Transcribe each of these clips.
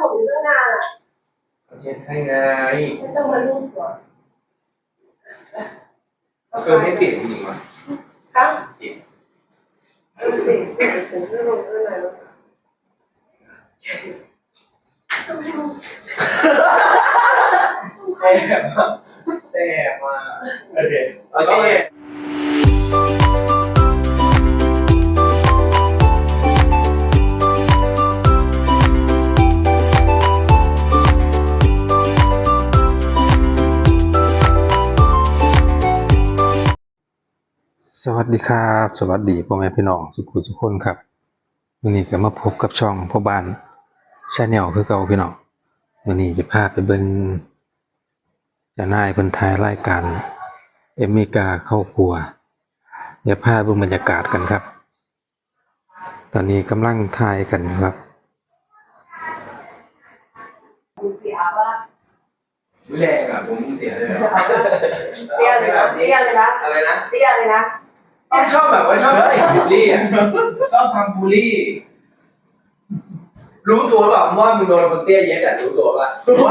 ผมอยู่ตั้งนานอ่ะเช็ดให้ไงไม่ต้องมาลูบหัวคือไม่ติดจริงๆวะครับดูสิถึงจะลงเท่าไหร่แล้วแซ่บมากแซ่บมากโอเคโอเคสวัสดีครับสวัสดีพ่อแม่พี่น้องทุกคนครับวันนี้ก็มาพบกับช่องพ่อบ้านชาแนลคือเก่าพี่น้องวันนี้จะพาไปเบิ่งเจ้านายเพิ่นถ่ายรายการเอมมิกาเข้าครัวเดี๋ยวพาเบิ่งบรรยากาศกันครับตอนนี้กำลังถ่ายกันครับแรงอ่ะผมเสียเลยเตี้ยเลยนะเตี้ยเลยนะอะไรนะเตี้ยเลยนะชอบแบบว่าชอบใส่บูลลี่อ่ะชอบทำบูลลี่รู้ตัวเปล่าว่ามึงโดนคนเตี้ยเย็ดอ่ะรู้ตัวป่ะ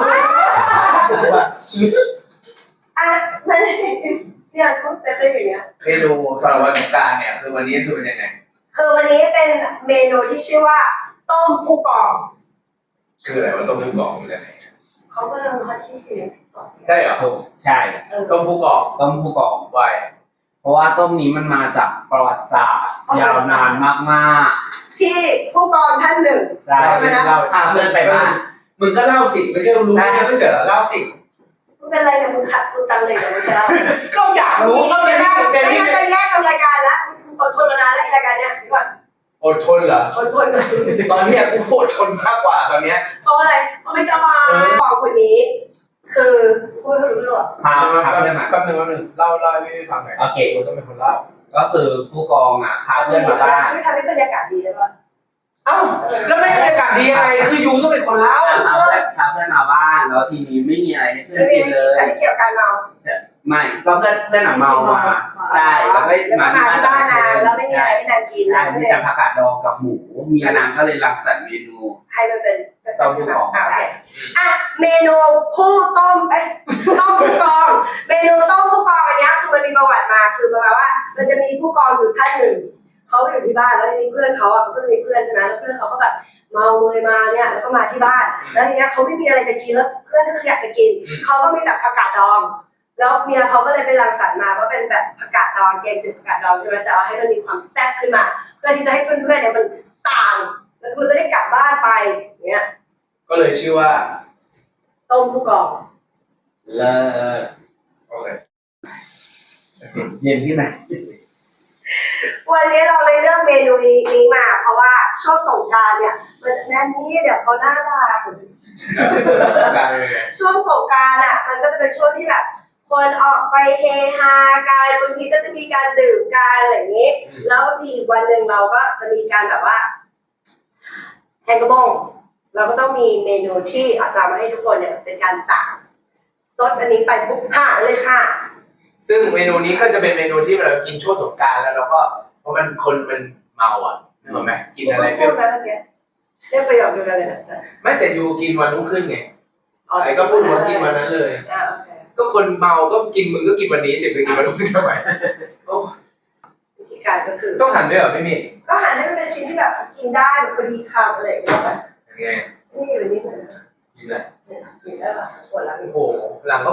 อ่ะไม่ได้เตี้ยเขาเป็นอย่างเงี้ยเมนูสำหรับวันสงกรานต์เนี่ยคือวันนี้คือเป็นยังไงคือวันนี้เป็นเมนูที่ชื่อว่าต้มผู้กองคืออะไรว่าต้มผู้กองมันยังไงเขาก็เลยเขาที่เขียนใช่เหรอใช่ต้มผู้กองไวเพราะว่าต้มนี้มันมาจากประวัติศาสตร์ยาวนานมากๆที่ผู้กองท่านหนึ่งใช่เล่าพาเพื่อนไปบ้านมึงก็เล่าสิไม่ใช่รู้ไม่เฉยเล่าสิมึงเป็นอะไรเนี่ยมึงขัดกูจังเลยเดี๋ยวมึงจะเล่าก็อยากรู้ก็ไม่ได้เป็นที่จะแยกทำรายการละอดทนมานานแล้วรายการเนี้ยพี่ก่อนอดทนเหรออดทนตอนเนี้ยกูอดทนมากกว่าตอนเนี้ยเพราะอะไรเพราะไม่สบายบอกคนนี้คือพูดให้รู้เรื่องพาเพื่อนมาแป๊บนึงเล่าให้ฟังหน่อยโอเคกูต้องเป็นคนเล่าก็คือผู้กองอ่ะพาเพื่อนมาบ้านช่วยทำให้บรรยากาศดีได้ป่ะเอ้าแล้วไม่บรรยากาศดียังไงคือยูต้องเป็นคนเล่าพาเพื่อนมาบ้านแล้วทีนี้ไม่มีอะไรให้เพื่อนกินเลยแต่ไม่เกี่ยวกับการเมาไม่ก็เพื่อนเมามาใช่แล้วก็มาที่บ้านนางแล้วไม่มีอะไรให้นางกินใช่มีแต่ผักกาดดองกับหมูมีนางก็เลยรังสรรค์เมนูให้มันเป็นต้มผู้กองอ่ะเมนูผู้ต้มต้มผู้กองเมนูต้มผู้กองอันนี้คือมันมีประวัติมาคือประมาณว่ามันจะมีผู้กองอยู่ท่านหนึ่งเขาอยู่ที่บ้านแล้วมีเพื่อนเขาอ่ะเขาก็มีเพื่อนใช่ไหมแล้วเพื่อนเขาก็แบบเมาเลยมาเนี่ยแล้วก็มาที่บ้านแล้วทีเนี้ยเขาไม่มีอะไรจะกินแล้วเพื่อนก็อยากจะกินเขาก็มีแต่ผักกาดดองแล้วเมียเขาก็เลยไปรังสรรค์มาว่าเป็นแบบผักกาดดองแกงจืดผักกาดดองใช่ไหมแต่ว่าให้มันมีความแซ่บขึ้นมาเพื่อที่จะให้เพื่อนๆเนี่ยมันต่างแล้วคุณจะได้กลับบ้านไปเนี่ยก็เลยชื่อว่าต้มผู้กองโอเคเย็นที่ไหนวันนี้เราเลยเลือกเมนูนี้มาเพราะว่าช่วงสงกรานต์เนี่ยมันแน่นี้เดี๋ยวเขาหน้าด่าช่วงสงกรานต์อ่ะมันก็จะเป็นช่วงที่แบบคนออกไปเฮฮากันบางทีก็จะมีการดื่มกันอะไรอย่างนี้แล้วบางทีอีกวันหนึ่งเราก็จะมีการแบบว่าแฮงกระบงเราก็ต้องมีเมนูที่เอาตามมาให้ทุกคนเนี่ยเป็นการสั่งซดอันนี้ไปปุ๊บหาเลยค่ะซึ่งเมนูนี้ก็จะเป็นเมนูที่เรากินช่วงสงกรานต์แล้วเราก็เพราะมันคนมันเมาอ่ะนึกออกไหมกินอะไรเปรี้ยวเรียกประโยคเดียวกันเลยนะไม่แต่ยูกินวันรุ่งขึ้นไงไอ้ก็พูดว่ากินวันนั้นเลยก็คนเมาก็กินมึงก็กินวันนี้สิไปกินวันรุ่งขึ้นทำไมวิธีการก็คือต้องหั่นด้วยเหรอไม่มีก็หั่นให้มันเป็นชิ้นที่แบบกินได้แบบพอดีคำอะไรอย่างเงี้ยยังไงนี่แบบนี้เลยกินอะไรกินได้ป่ะปวดหลังโอ้โหหลังก็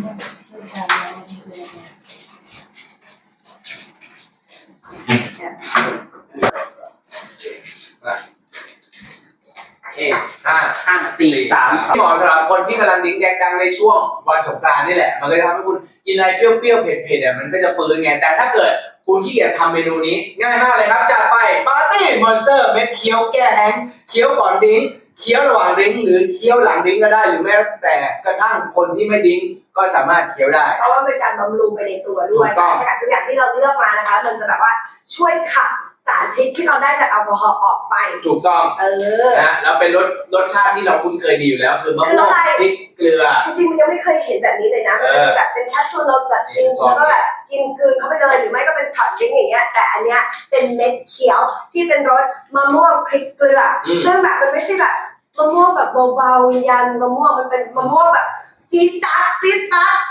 5 4 3 เหมาะสำหรับคนที่กำลังดิ้งแดงดังในช่วงวันสงกรานต์นี่แหละมันก็จะทำให้คุณกินอะไรเปรี้ยวๆเผ็ดๆมันก็จะฟื้นไงแต่ถ้าเกิดคุณขี้เกียจทำเมนูนี้ง่ายมากเลยครับจัดไปปาร์ตี้มอนสเตอร์เม็ดเคี้ยวแก้แห้งเคี้ยวก่อนดิ้งเคี้ยวระหว่างดิ้งหรือเคี้ยวหลังดิ้งก็ได้หรือแม้แต่กระทั่งคนที่ไม่ดิ้งก็สามารถเคี้ยวได้เพราะว่าเป็นการบำรุงไปในตัวด้วยสารสกัดทุกอย่างที่เราเลือกมานะคะมันจะแบบว่าช่วยขับสารพิษที่เราได้จากแอลกอฮอล์ออกไปถูกต้องนะแล้วเป็นรสชาติที่เราคุ้นเคยดีอยู่แล้วคือมะม่วงพริกเกลือจริงๆมันยังไม่เคยเห็นแบบนี้เลยนะมันแบบเป็นแคปซูลเราแบบกินแล้วก็แบบกินกลืนเข้าไปเลยหรือไม่ก็เป็นช็อตดิ้งอย่างเงี้ยแต่อันเนี้ยเป็นเม็ดเขียวที่เป็นรสมะม่วงพริกเกลือซึ่งแบบมันไม่ใช่แบบมะม่วงแบบเบาๆยันมะม่วงมันเป็นมะม่วงแบบจี๊ดจ๊าดปี๊ดจ๊าด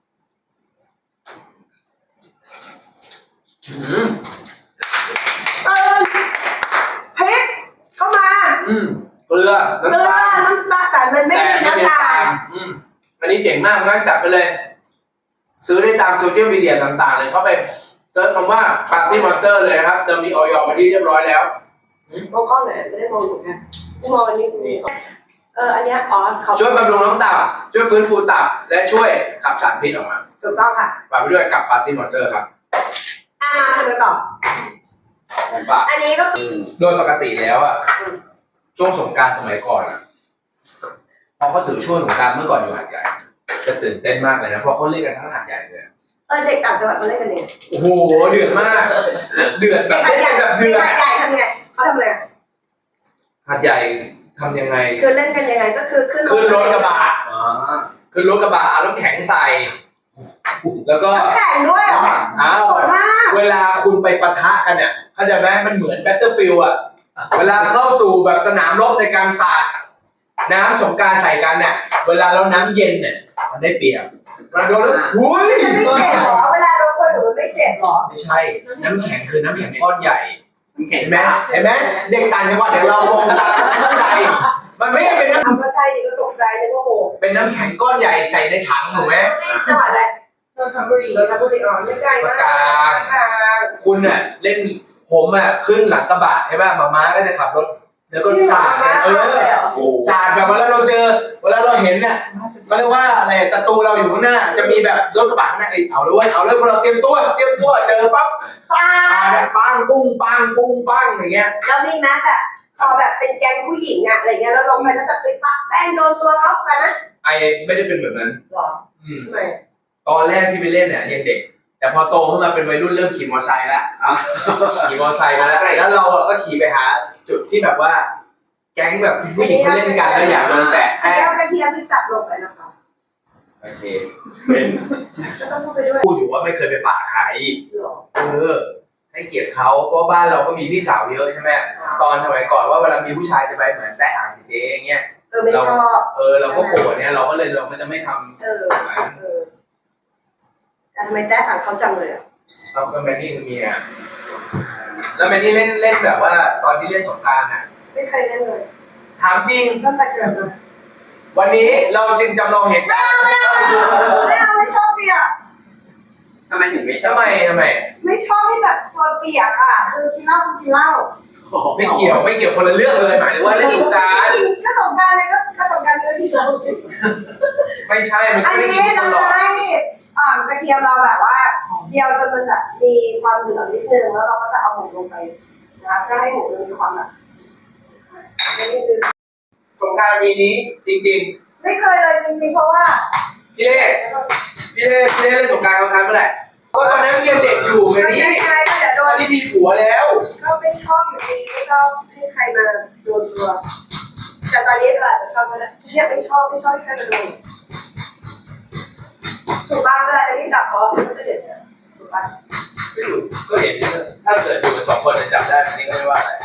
อืมเออพริกเข้ามาเกลือเกลือน้ำตาลแต่มันไม่มีน้ำตาลอันนี้เจ๋งมากงั้นจัดไปเลย ซื้อได้ตามโซเชียลมีเดียต่างๆเลยเข้าไปเซิร์ชคำว่าปาร์ตี้มอนสเตอร์เลยนะครับจะมีออยมาที่เรียบร้อยแล้วมองกล้องหน่อยไม่ได้มองหนูนะมองอันนี้อันเนี้ยอ๋อเขาช่วยบำรุงน้องตับช่วยฟื้นฟูตับและช่วยขับสารพิษออกมาถูกต้องค่ะฝากไปด้วยกับปาร์ตี้มอนสเตอร์ครับมาทำไปต่อผมฝากอันนี้ก็คือโดยปกติแล้วอ่ะช่วงสงกรานต์สมัยก่อนอ่ะพอเขาถือช่วงสงกรานต์เมื่อก่อนอยู่หาดใหญ่จะตื่นเต้นมากเลยนะเพราะเขาเล่นกันทั้งหาดใหญ่เลยเด็กต่างจังหวัดเขาเล่นกันเองโอ้โหเดือดมาก เดือดแบบเด็กเล่นใหญ่กันแบบเดือดเด็กใหญ่ทำไงเขาทำอะไรหาดใหญ่ทำยังไงคือเล่นกันยังไงก็คือขึ้นขึ้นรถกระบะขึ้นรถกระบะเอาน้ำแข็งใส่ แล้วก็แข่งด้วยเหรออ้าวโหดมากเวลาคุณไปปะทะกันเนี่ยเข้าใจไหมมันเหมือนแบตเตอร์ฟิลด์อ่ะ เวลาเข้าสู่แบบสนามรบในการสาดน้ำสงกรานต์ใส่กันเนี่ยเวลาเราน้ำเย็นเนี่ยมันได้เปรียบเราโดนแล้วหุ้ยมันไม่เจ็บหรอเวลาโดนคนอื่นมันไม่เจ็บหรอไม่ใช่ น้ำแข็งคือน้ำแข็งก้อนใหญ่เห็นไหมเห็นไหมเด็กต่างจังหวัดอย่างเรามองตาเข้าใจมันไม่ได้เป็นน้ทำก็ใช่ดิก็ตกใจดิก็โหำเป็นน้ำแข็งก้อนใหญ่ใส่ในถังถูกไหมจังหวัดอะไรนนทบุรีเราทำบุรีอ๋อไม่ไกลมากกลางคุณน่ะเล่นผมอ่ะขึ้นหลังกระบะใช่ป่ะมาม่าก็จะขับรถแล้วก็สาดเนี่ยสาดแบบเวลาเราเจอเวลาเราเห็นเนี่ยเขาเรียกว่าอะไรศัตรูเราอยู่ข้างหน้า จะมีแบบรถกระบะข้างหน้าเอาเลยพวกเราเตรียมตัวเจอปั๊บฟาปังปุ้งปังปุ้งปังอย่างเงี้ยแล้วมีนะแบบพอแบบเป็นแก๊งผู้หญิงอะอะไรเงี้ยแล้วลงไปแล้วแบบไปปักแป้งโดนตัวเขาไปนะไอไม่ได้เป็นแบบนั้นหรอ ทำไมตอนแรกที่ไปเล่นเนี่ยยังเด็ก แต่พอโตขึ้นมาเป็นวัยรุ่นเริ่มขี่มอเตอร์ไซค์แล้วขี่มอเตอร์ไซค์มาแล้วเราก็ขี่ไปหาจุดที่แบบว่า แก๊งแบบผู้หญิงเขาเล่นกันแล้วอยากโดนแตะอันนี้เอากระเทียมที่สับลงไปนะคะโอเคเป็นก็ต้องพูดไปด้วยพูดอยู่ว่าไม่เคยไปป่าใครหรอให้เกียรติเขาเพราะบ้านเราก็มีพี่สาวเยอะใช่ไหมตอนสมัยก่อนว่าเวลามีผู้ชายจะไปเหมือนแตะอ่างเจ๊อย่างเงี้ยไม่ชอบเราก็โกรธเนี่ยเราก็จะไม่ทำแต่ทำไมแต้สั่งเขาจังเลยอ่ะเราก็แมนนี่คือเมียแล้วแมนนี่เล่นแบบว่าตอนที่เล่นสงกรานต์อ่ะไม่เคยเล่นเลยถามจริงตั้งแต่เกิดมาวันนี้เราจึงจำลองเหตุการณ์ไม่ชอบเปียกทำไมถึงไม่ชอบทำไมไม่ชอบที่แบบตัวเปียกอ่ะคือกินเหล้าคือกินเหล้าไม่เกี่ยวคนละเรื่องเลยหมายถึงว่าเล่นสงกรานต์ก็สงการเลยก็สงการเลยที่เราไม่ใช่มันอัก็นไม่นี้ได้กินตเราลอจะดให้กระเทียมเราแบบว่าเจียวจนมันแบบมีความเหลืองนิดนึงแล้วเราก็จะเอาหมูลงไปนะเพื่อให้หมูมันมีความแบบไม่ได้ดื้อสงกรานต์ปีนี้จริงไม่เคยเลยจริงๆเพราะว่าๆพี่เล่เล่นสงกรานต์ครั้งเมื่อไหร่ก็ตอนนั้นเรียนเด็กอยู่ไงไม่นี่ใช่ก็เดี๋ยวโดตอนนนี้มีผัวแล้วก็ไม่ชอบอยู่ดีไม่ชอบให้ใครมาโดนตัวแต่ตอนนี้เราอาจจะชอบก็ได้เนี่ยไม่ชอบให้ใครมาโดนถูกบ้างก็ได้ที่จับเพราะมันจะเด็ดถูกป่ะไม่อยู่ก็เห็นถ้าเกิดอยู่กันสองคนจะจับได้อันนี้ก็ไม่ว่าอะไร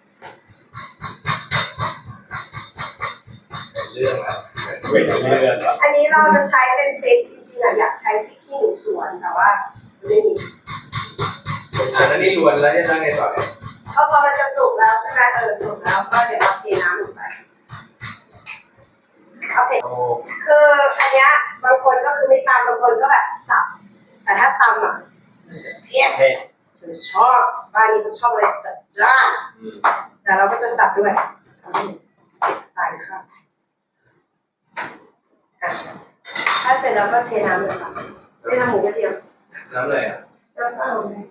เรื่องอะเว้ยเรื่องอะอันนี้เราจะใช้เป็นพริกจริงๆอะอยากใช้พริกขี้หนูสวนแต่ว่าไม่มีอันนี้รวนแล้วจะได้ไงต่อเนี่ยพอมันจะสุกแล้วใช่ไหมสุกแล้วก็เดี๋ยวเราเทน้ำลงไปโอเคคืออันเนี้ยบางคนก็คือไม่ตำบางคนก็แบบสับแต่ถ้าตำอ่ะเพี้ยนฉันชอบบ้านนี้ฉันชอบเลยจัดจ้านแต่เราก็จะสับด้วยตายค่ะถ้าเสร็จแล้วก็เทน้ำเลยค่ะไม่ทำหมูกระเทียมน้ำเลยอ่ะน้ำเปล่าเลย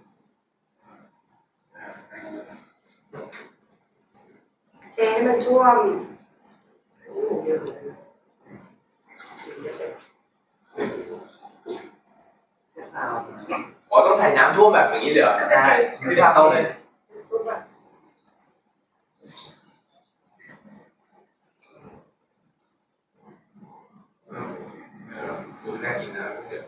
เทให้มันท่วมอ๋อต้องใส่น้ำท่วมแบบอย่างนี้เลยเหรอใช่ไม่พลาดต้องเลย ดูน่ากินนะเดี๋ยว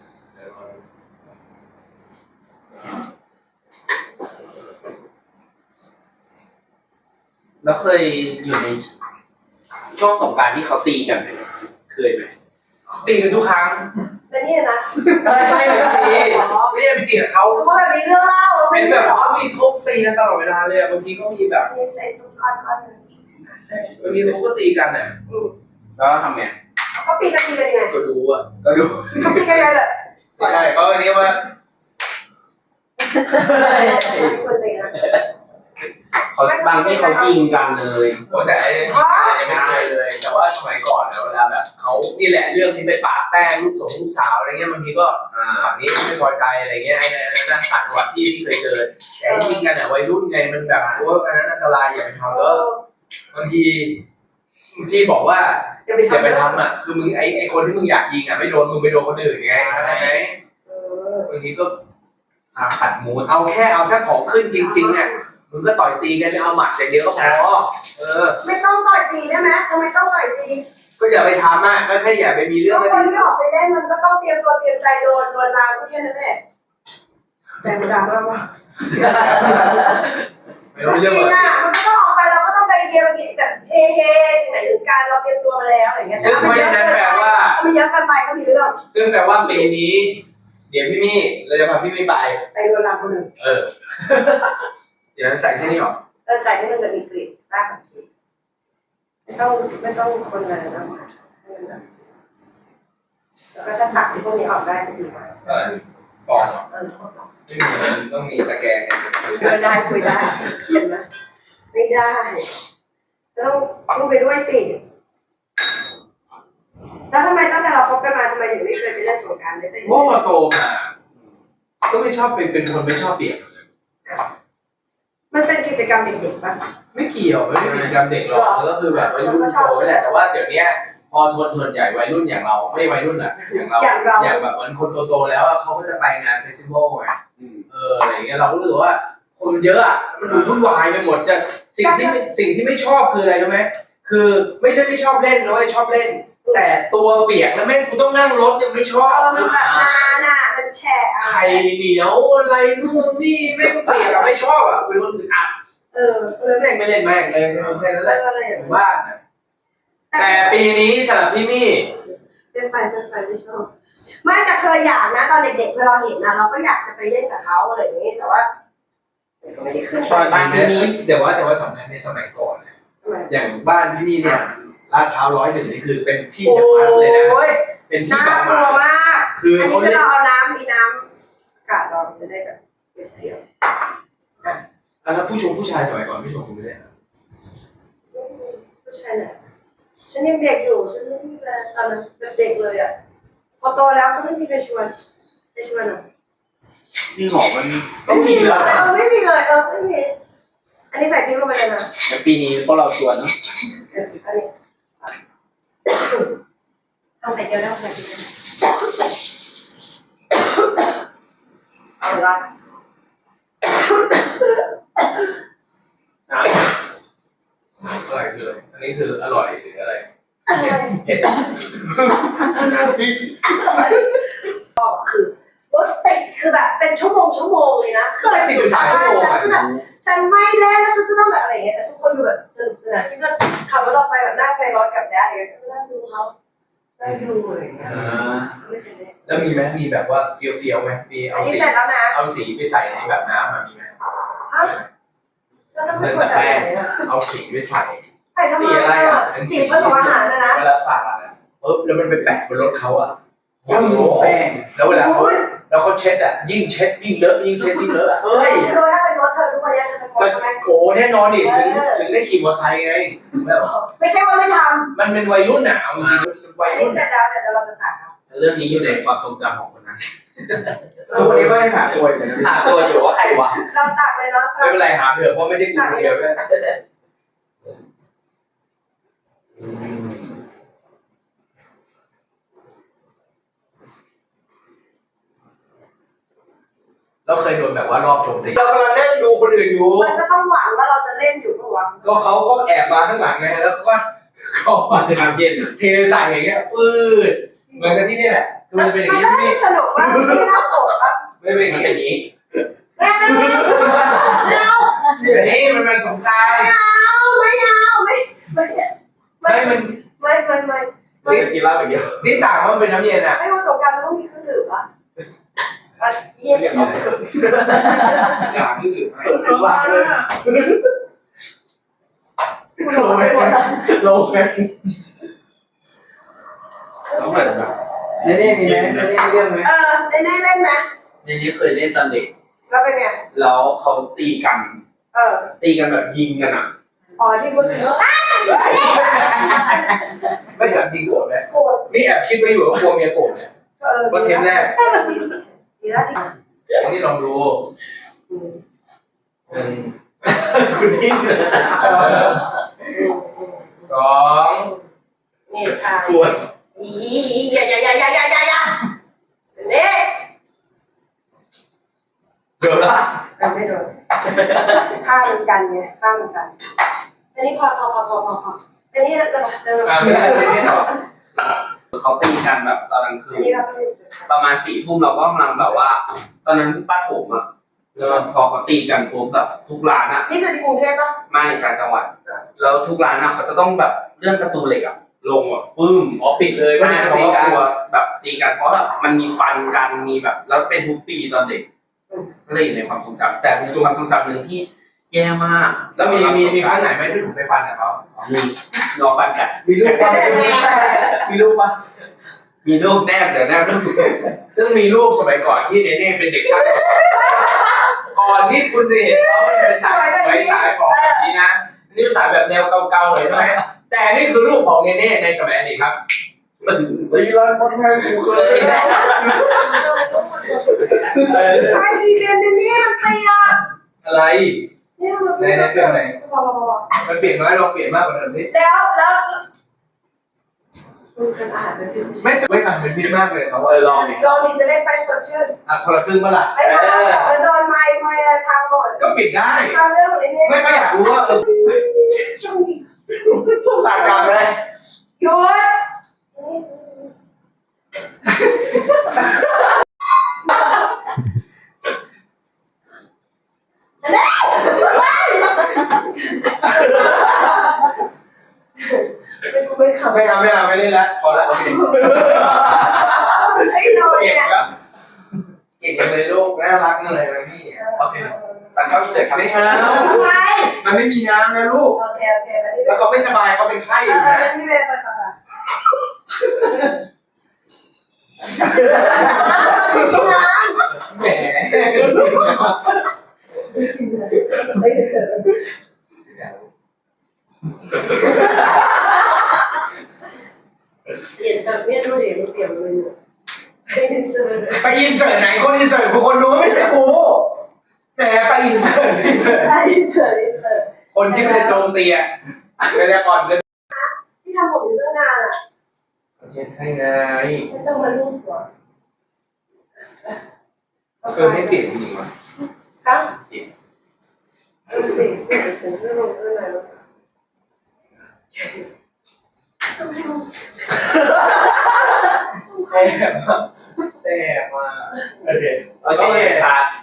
แล้วเคยอยู่ในช่วงสงกรานต์ที่เขาตีกันเนี่ยเคยไหมตีกันทุกครั้งแต่นี่นะไม่ใช่ไม่ได้ไปตีกับเขาเพราะแบบมีเรื่องเล่าเป็นแบบเขามีเขาตีกันตลอดเวลาเลยบางทีก็มีแบบมีใส่ซุปก้อนหนึ่งบางทีเขาก็ตีกันอ่ะแล้วทำไงเขาตีกันยังไงก็ดูอ่ะก็ดูเขาตีกันยังไงเลยไม่ใช่เขาเรียกว่าคนตีนะเขาบางที่เขายิงกันเลยโอ้แต่ไอ้เนี่ยไม่ได้เลย แต่ว่าสมัยก่อนเนี่ยเวลาแบบเขานี่แหละเรื่องที่ไปปาดแป้งลูกสาวอะไรเงี้ยบางทีก็ฝั่งนี้ไม่พอใจอะไรเงี้ยไอ้นั่นต่างจังหวัดที่เคยเจอแต่ยิงกันอ่ะวัยรุ่นไงมันแบบโอ้อันนั้นอันตรายอย่าไปทำแล้วบางทีบอกว่าอย่าไปทำอ่ะคือมึงไอ้คนที่มึงอยากยิงอ่ะไม่โดนมึงไปโดนคนอื่นไงเข้าใจไหมบางทีก็ขัดมูดเอาแค่ของขึ้นจริงๆอ่ะมึงก็ต่อยตีกันเอาหมัดอย่างเดียวก็พอไม่ต้องต่อยตีได้ไหมทำไมต้องต่อยตีก็อย่าไปทำอ่ะก็แค่อย่าไปมีเรื่องคนที่ออกไปเล่นมันก็ต้องเตรียมตัวเตรียมใจโดนลาก็แค่นั้นแหละแต่มันดราม่าว่าไม่ต้องเรื่องจริงอ่ะมันก็ต้องออกไปเราก็ต้องไปเยียวแบบเฮที่ไหนถึงการเราเตรียมตัวมาแล้วอะไรเงี้ยซึ่งไม่ใช่แปลว่ามันเยอะเกินไปก็มีเรื่องซึ่งแปลว่าปีนี้ เดี๋ยวพี่มี่เราจะพาพี่มี่ไปไปโดนลาคนหนึ่งเดี๋ยวใส่แค่นี้หรอใส่ให้มันจะมีกลิ่นรากผักชีไม่ต้องคนเลยนะแล้วก็ถ้าตักที่พวกนี้ออกได้ก็ดีมากกองต้องมีตะแกรงคุยได้เห็นไหมไม่ได้ต้องไปด้วยสิแล้วทำไมตั้งแต่เราคบกันมาทำไมถึงไม่เคยไปเล่นสงกรานต์เลยเพราะพอโตมาก็ไม่ชอบเป็นคนไม่ชอบเปียกมันเป็นกิจกรรมเด็กๆป่ะไม่เกี่ยวไม่ได้เป็นกิจกรรมเด็กหรอกแล้วก็คือแบบวัยรุ่นโตนี่แหละแต่ว่าเดี๋ยวนี้พอส่วนใหญ่วัยรุ่นอย่างเราไม่วัยรุ่นอ่ะอย่างเราอย่างแบบเหมือนคนโตๆแล้วเขาก็จะไปงานเฟสติวัลไงอะไรอย่างเงี้ยเราก็รู้สึกว่าคนเยอะอ่ะมันดูวุ่นวายไปหมดจะสิ่งที่ไม่ชอบคืออะไรรู้ไหมคือไม่ใช่ไม่ชอบเล่นนะเว้ยชอบเล่น แต่ตัวเปียกแล้วแม่งกูต้องนั่งรถยังไม่ชอบมันแบบนานอ่ะมันแฉะไข่เหนียวอะไรนู่นนี่แม่งเปียกอะไม่ชอบอ่ะเป็นคนอึดอัด แม่งไม่เล่นแม่งเลยแค่นั้นแหละอยู่บ้านแต่ปีนี้สำหรับพี่มี่เป็นไฟไม่ชอบไม่แต่เคยอยากนะตอนเด็กๆเวลาเราเห็นนะเราก็อยากจะไปเล่นกับเขาอะไรอย่างนี้แต่ว่าก็ไม่ได้ขึ้นซอยบ้านพี่นี้แต่ว่าสำคัญในสมัยก่อนอย่างบ้านพี่มี่เนี่ยลาดพร้าว101นี่คือเป็นที่เดอะพาสเลยนะเป็นที่น่ากลัวมากคืออันนี้คือเราเอาน้ำมีน้ำอากาศเราจะได้แบบเปรี้ยวแล้วผู้ชายสมัยก่อนพี่ชมคุณไม่ได้ผู้ชายเนี่ยฉันยังเด็กอยู่ฉันไม่มีแฟนตอนนั้นเป็นเด็กเลยอ่ะพอโตแล้วก็ไม่มีใครชวนอ่ะที่หมอมันไม่มีเลยไม่มีอันนี้ใส่พริกลงไปเลยนะในปีนี้พวกเราชวนเนาะอันนี้ทำไข่เจียวได้ทำไข่เจียวเอาละอะไรคืออันนี้คืออร่อยหรืออะไรเผ็ดคือรถติดคือแบบเป็นชั่วโมงเลยนะก็ติดอยู่3 ชั่วโมงอ่ะฉันไม่เล่นแล้วฉันจะต้องแบบอะไรอย่างเงี้ยแต่ทุกคนดูแบบสนุกสนานฉันก็ขับรถออกไปแบบนั่งไปรถกับแดดอะไรอย่างเงี้ยก็นั่งดูเขานั่งดูอะไรอย่างเงี้ยไม่เคยเล่นแล้วมีไหมมีแบบว่าเฟี้ยวไหมมีอัเอานนี้สีเสร็จแล้วนะเอาสีไปใส่ในแบบน้ำมีไหมแล้วต้องไปกดอะไรนะเอาสีไปใส่ใส่ทำไมอ่ะสีผสมอาหารนะเวลาสาดอ่ะปุ๊บแล้วมันไปแปะบนรถเขาอ่ะโอ้โหแป้งแล้วเวลาเขาเช็ดอ่ะยิ่งเช็ดยิ่งเลอะยิ่งเช็ดยิ่งเลอะอ่ะเฮ้ยคือถ้าเป็นรถเธอทุกวันนี้เธอจะกดก็ไหมโกแน่นอนดิถึงได้ขี่มอเตอร์ไซค์ไงแบบไม่ใช่ว่าไม่ทมันเป็นวัยรุ่นอ่ะเอาจริงำวัยอันรุ่นี้นเสร็จแล้วเดี๋ยวเราจะตัดเอาเรื่องนี้อยู่ในความทรงจำของคนนั้นทุกวันนี้ก็ยังหาตัวอยู่ว่าใครวะเราตัดเลยเนาะไม่เป็นไรหาเถอะเพราะไม่ใช่กูคนเดียวด้วยเราเคยโดนแบบว่ารอบโจมตีเรากำลังนั่งดูคนอื่นอยู่มันก็ต้องหวังว่าเราจะเล่นอยู่ปะวะก็เขาก็แอบมาข้างหลังไงแล้วก็เขาอาจจะเย็นเทใส่อย่างเงี้ยปืดเหมือนกันที่นี่แหละคือมันจะเป็นอย่างมันนี้ก็ไม่สนุกว่ามันไม่น่าโกรธปะไม่เป็นอย่างนี้ไม่เอาแต่นี่มันเป็นสงกรานต์ไม่ไม่มันไม่นี่กินเหล้าอย่างเดียวนี่ต่างว่ามันเป็นน้ำเย็นอ่ะไม่วันสงกรานต์มันต้องมีเครื่องดื่มอ่ะเยี่ยมอย่างนี้อย่างที่อื่นส่วนถึงว่าเลยโลไหมโลไหมต้องเหมือนแบบนี่มีไหมนี่มีเรื่องไหมได้เล่นไหมในนี้เคยเล่นตอนเด็กแล้วเป็นไงแล้วเขาตีกัน ตีกันแบบยิงกันอ่ะอ๋อที่พูดถึงไม่ถามจริงโกรธไหมโกรธนี่แอบคิดไว้อยู่ว่ากลัวเมียโกรธเนี่ยว่าเทปแรกดีแล้วอันนี้ลองดูคุณนิ่งเลยสองนี่ค่ะกลัวอย่านี่เดี๋ยวละไม่โดนข้ามันกันไงข้ามันกันอันนี้พออันนี้เราไม่ได้ไม่ต่อเขาตีกันแบบตอนกลางคือันนนี้เราต้องประมาณ4 ทุ่มเราก็กำลังแบบว่า ตอนนั้นป้าโถมอ่ะแล้วพอเขาตีกันปุ๊บแบบทุกร้านอ่ะนี่คือที่กรุงเทพปะไม่ต่างจังหวัดแล้วทุกร้านอ่ะเขาจะต้องแบบเลื่อนประตูเหล็กอ่ะลงแบบปึ้มอ๋อปิดเลยก็ก็เนี่เนี่ย ยเขาตีก็กันกลัวแบบตีกันเพราะแบบมันมีฟันกันมีแบบแล้วเป็นทุกปีตอนเด็กก็เลยอยู่ในความทรงจำแต่มีความทรงจำหนึ่งที่แย่มากแล้วมีครั้งไหนไหมที่ผมไปฟันกับเขามีรอฟันกัดมีรูปป่ะมีรูปป่ะมีรูปแนบเดี๋ยวแนบรูปซึ่งมีรูปสมัยก่อนที่เนเน่เป็นเด็กช่างก่อนที่คุณจะเห็นเขาเนี่ยเป็นสายของแบบนี้นะนี่เป็นสายแบบแนวเก่าๆเลยใช่ไหมแต่นี่คือรูปของเนเน่ในสมัยอดีตครับมันตีร้านคนไทยกูเคยไอ้อีเวนต์นี้มันไปอ่ะอะไรนี่มันในเรื่องไหนมันเปลี่ยนไหมลองเปลี่ยนมากกว่าเดิมสิแล้วมันเป็นอาหารเป็นพิษไม่ทำเป็นพิษมากเลยเขาว่าลองดิลองดีจะได้ไปสดชื่นคนละครึ่งเมื่อไหร่ไม่พอโดนไม้ทางหมดก็ปิดได้ทางเรื่องอะไรเนี่ยไม่ค่อยอยากรู้ว่าสงสารกันเลยหยุดไม่ขับไม่เอาไม่เล่นแล้วพอแล้วโอเคไอ้โดนเก่งเนี่ยแล้วเก่งจังเลยลูกน่ารักจังเลยนะพี่โอเคตัดเข้าพิเศษครับไม่เอาทำไมมันไม่มีน้ำนะลูกโอเคแล้วนี่แล้วเขาไม่สบายเขาเป็นไข้อยู่นะนี่เป็นภาษาไม่กินน้ำแหมไม่เถอะเปลี่ยนจากเนี่ยดูดิมันเปลี่ยนเลยไปอินเสิร์ตไหนคนอินเสิร์ตกูคนรู้ไม่เป็นกูแหมไปอินเสิร์ตคนที่ไม่ได้โจมตีอ่ะไม่ได้ก่อนเลยที่ทำผมอยู่ตั้งนานอ่ะเช็ดให้ไงไม่ต้องมาลูบหัวให้เปลี่ยนจริงๆวะครับดูสิเปลี่ยนถึงเรื่องลงเรื่องอะไรแล้วแซ่บมากแซ่บมากโอเคโอเคตัด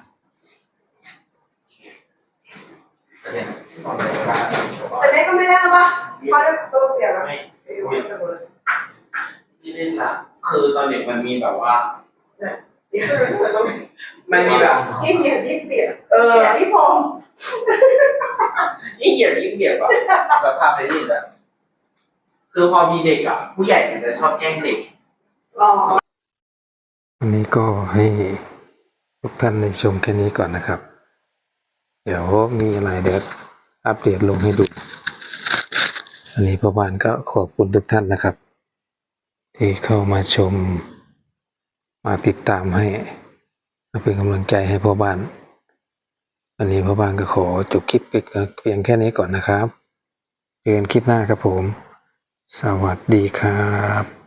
แต่เนี้ก็ไม่ได้แล้วป่ะพอจะตัวเปลี่ยนแล้วที่เล่นละคือตอนเด็กมันมีแบบว่ามันมีแบบยิ่งเหยียดยิ่งเปลี่ยน ที่ผมยิ่งเหยียดยิ่งเบียดแบบแบบภาพในนี่แหละคือพอมีเด็กอ่ะผู้ใหญ่มันจะชอบแกล้งเด็กอ๋อวันนี้ก็ให้ทุกท่านได้ชมแค่นี้ก่อนนะครับ เดี๋ยวมีอะไรเดี๋ยวอัปเดตลงให้ดู อันนี้พ่อบ้านก็ขอบคุณทุกท่านนะครับ ที่เข้ามาชม มาติดตามให้มาเป็นกำลังใจให้พ่อบ้าน อันนี้พ่อบ้านก็ขอจบคลิปเพียงแค่นี้ก่อนนะครับเจอกันคลิปหน้าครับผม สวัสดีครับ